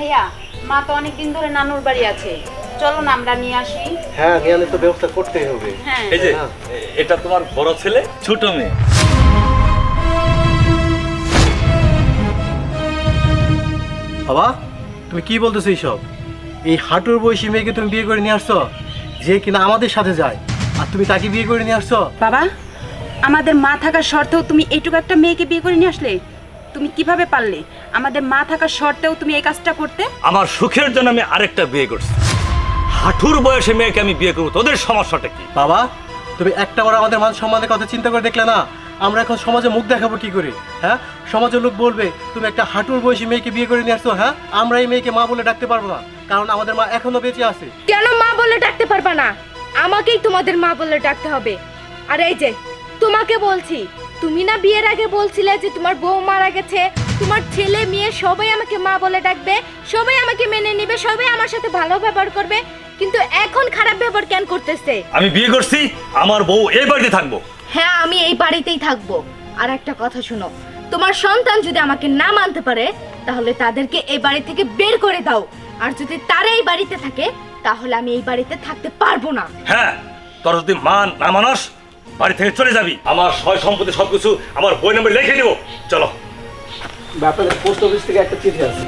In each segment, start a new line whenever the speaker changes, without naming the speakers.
ভাইয়া মা তো অনেকদিন ধরে নানুর বাড়ি আছে, চলো না আমরা নিয়ে আসি।
হ্যাঁ, নিয়ে আনলে তো ব্যবস্থা করতেই হবে।
হ্যাঁ
এই যে এটা তোমার বড় ছেলে, ছোট মেয়ে।
বাবা, তুমি কি বলতেছো এইসব? এই হাঁটুর বয়সী মেয়েকে তুমি বিয়ে করে নিয়ে আসছো, যে কিনা আমাদের সাথে যায়, আর তুমি তাকে বিয়ে করে নিয়ে আসছো?
বাবা, আমাদের মা থাকার শর্তেও তুমি এইটুকু একটা মেয়েকে বিয়ে করে নিয়ে আসলে? তুমি কিভাবে পারলে? আমাদের মা থাকার শর্তেও তুমি এই কাজটা করতে?
আমার সুখের জন্য আমি আরেকটা বিয়ে করছি। হাঁটুর বয়সে মেয়েকে আমি বিয়ে করবো, তোদের সমস্যাটা কি?
বাবা, তুমি একটা বার আমাদের মান সম্মানের কথা চিন্তা করে দেখলে না? আমরা এখন সমাজে মুখ দেখাবো কি করে? হ্যাঁ, সমাজের লোক বলবে তুমি একটা হাঁটুর বয়সী মেয়েকে বিয়ে করে নিয়ে আসছো। হ্যাঁ, আমরা এই মেয়েকে মা বলে ডাকতে পারবো না, কারণ আমাদের মা এখনো বেঁচে আছে।
কেন মা বলে ডাকতে পারবা না? আমাকেই তোমাদের মা বলে ডাকতে হবে। আর এই যে তোমাকে বলছি, তুমি না বিয়ের আগে বলছিলে যে তোমার বউ মারা গেছে, তোমার ছেলে মেয়ে সবাই আমাকে মা বলে ডাকবে, সবাই আমাকে মেনে নেবে, সবাই আমার সাথে ভালো ব্যবহার করবে, কিন্তু এখন খারাপ ব্যবহার কেন করতেছে?
আমি বিয়ে করছি, আমার বউ এই বাড়িতে থাকবো।
হ্যাঁ, আমি এই বাড়িতেই থাকবো। আর একটা কথা শোনো, তোমার সন্তান যদি আমাকে না মানতে পারে তাহলে তাদেরকে এই বাড়ি থেকে বের করে দাও, আর যদি তারা এই বাড়িতে থাকে তাহলে আমি এই বাড়িতে থাকতে পারবো না।
হ্যাঁ, তোর যদি মান না মানস, বাড়ি থেকে চলে যাবি। আমার সয় সম্পত্তি সবকিছু আমার বই নম্বরে লিখে দিব। চলো।
আপনাদের পোস্ট অফিস থেকে একটা চিঠি আছে।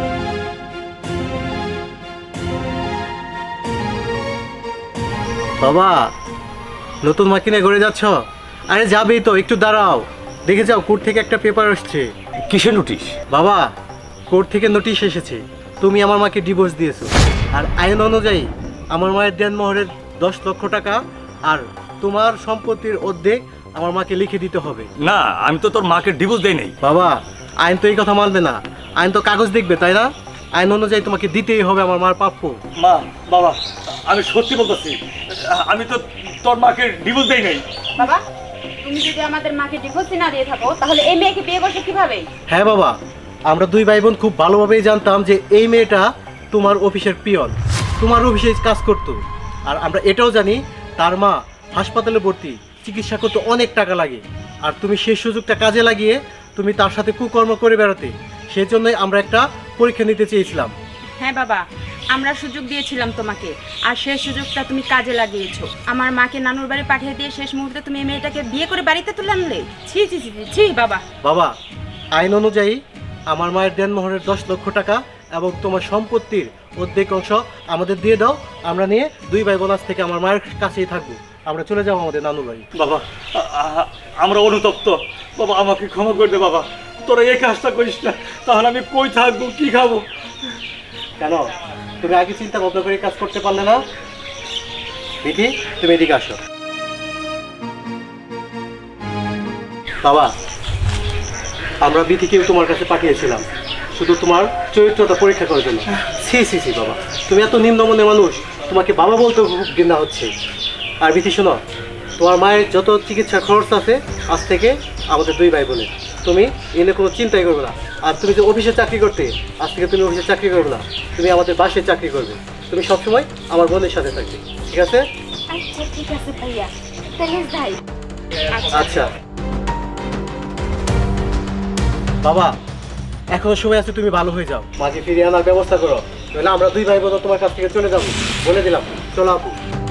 বাবা, নতুন মা কিনে ঘুরে যাচ্ছ? আরে যাবেই তো, একটু দাঁড়াও। দেখে যাও, কোর্ট থেকে একটা পেপার আসছে।
কিসের নোটিশ?
বাবা, কোর্ট থেকে নোটিশ এসেছে, তুমি আমার মাকে ডিভোর্স দিয়েছো। আর আইন অনুযায়ী আমার মায়ের দেনমোহরের 10 লক্ষ টাকা আর তোমার সম্পত্তির অর্ধেক আমার মাকে লিখে দিতে হবে।
না, আমি তো তোর মাকে ডিভোর্স দেই নাই।
বাবা, আইন তো এই কথা মানবে না, আইন তো কাগজ দেখবে, তাই না? আইন অনুযায়ী তোমাকে দিতেই হবে আমার মার প্রাপ্য।
মা, বাবা, আমি সত্যি বলতেছি, আমি তো তোর মাকে ডিভোর্স দেই নাই।
বাবা, তুমি যদি আমাদের মাকে ডিভোর্স না দিয়ে থাকো তাহলে এই মেয়েকে বিয়ে করছো কিভাবে?
হ্যাঁ বাবা, আমরা দুই ভাই বোন খুব ভালোভাবেই জানতাম যে এই মেয়েটা তোমার অফিসের পিয়ন, তোমার অফিসে কাজ করতো। আর আমরা এটাও জানি তার মা হাসপাতালে ভর্তি, চিকিৎসা করতে অনেক টাকা লাগে। আর তুমি সেই সুযোগটা কাজে লাগিয়ে তুমি তার সাথে কুকর্ম করে বেড়াতে, সেই জন্যই আমরা একটা পরীক্ষা নিতে চেয়েছিলাম।
হ্যাঁ বাবা, আমরা সুযোগ দিয়েছিলাম তোমাকে, আর সেই সুযোগটা তুমি কাজে লাগিয়েছো। আমার মাকে নানুর বাড়ি পাঠিয়ে দিয়ে শেষ মুহূর্তে তুমি এই মেয়েটাকে বিয়ে করে বাড়িতে তুলে আনলে। ছি ছি ছি ছি, ছি বাবা।
বাবা, আইন অনুযায়ী আমার মায়ের দেনমোহরের 10 লক্ষ টাকা এবং তোমার সম্পত্তির অর্ধেক অংশ আমাদের দিয়ে দাও। আমরা নিয়ে দুই ভাই বোন আজ থেকে আমার মায়ের কাছেই থাকবো। আমরা চলে যাবো আমাদের নানুর বাড়ি।
বাবা, আমরা অনুতপ্ত। বাবা, আমাকে ক্ষমা করে দে বাবা, তোরা এই কাজটা করিস না, তাহলে আমি কই থাকবো, কি খাবো?
কেন তুমি আগে চিন্তা ভাবনা করে কাজ করতে পারলে না? বিধি, তুমি এদিকে আসো। বাবা, আমরা বিধিকে তোমার কাছে পাঠিয়েছিলাম শুধু তোমার চরিত্রটা পরীক্ষা করার জন্য। সি সি সি বাবা, তুমি এত নিম্নমনের মানুষ, তোমাকে বাবা বলতে খুব ঘৃণা হচ্ছে। আর বিধি শোনো, তোমার মায়ের যত চিকিৎসা খরচ আছে আজ থেকে আমাদের দুই ভাই বোনের, তুমি এনে কোনো চিন্তাই করবে না। আর তুমি যে অফিসে চাকরি করতে, আজ থেকে তুমি অফিসে চাকরি করবে না, তুমি আমাদের বাসায় চাকরি করবে। তুমি সবসময় আমার বোনের সাথে থাকবে, ঠিক আছে?
আচ্ছা ঠিক আছে ভাইয়া, তাহলে যাই।
আচ্ছা বাবা, এখনো সময় আছে, তুমি ভালো হয়ে যাও, মাঝে ফিরিয়ে আনার ব্যবস্থা করো, নাহলে আমরা দুই ভাই বোন তোমার কাছ থেকে চলে যাবো, বলে দিলাম। চলো আপু।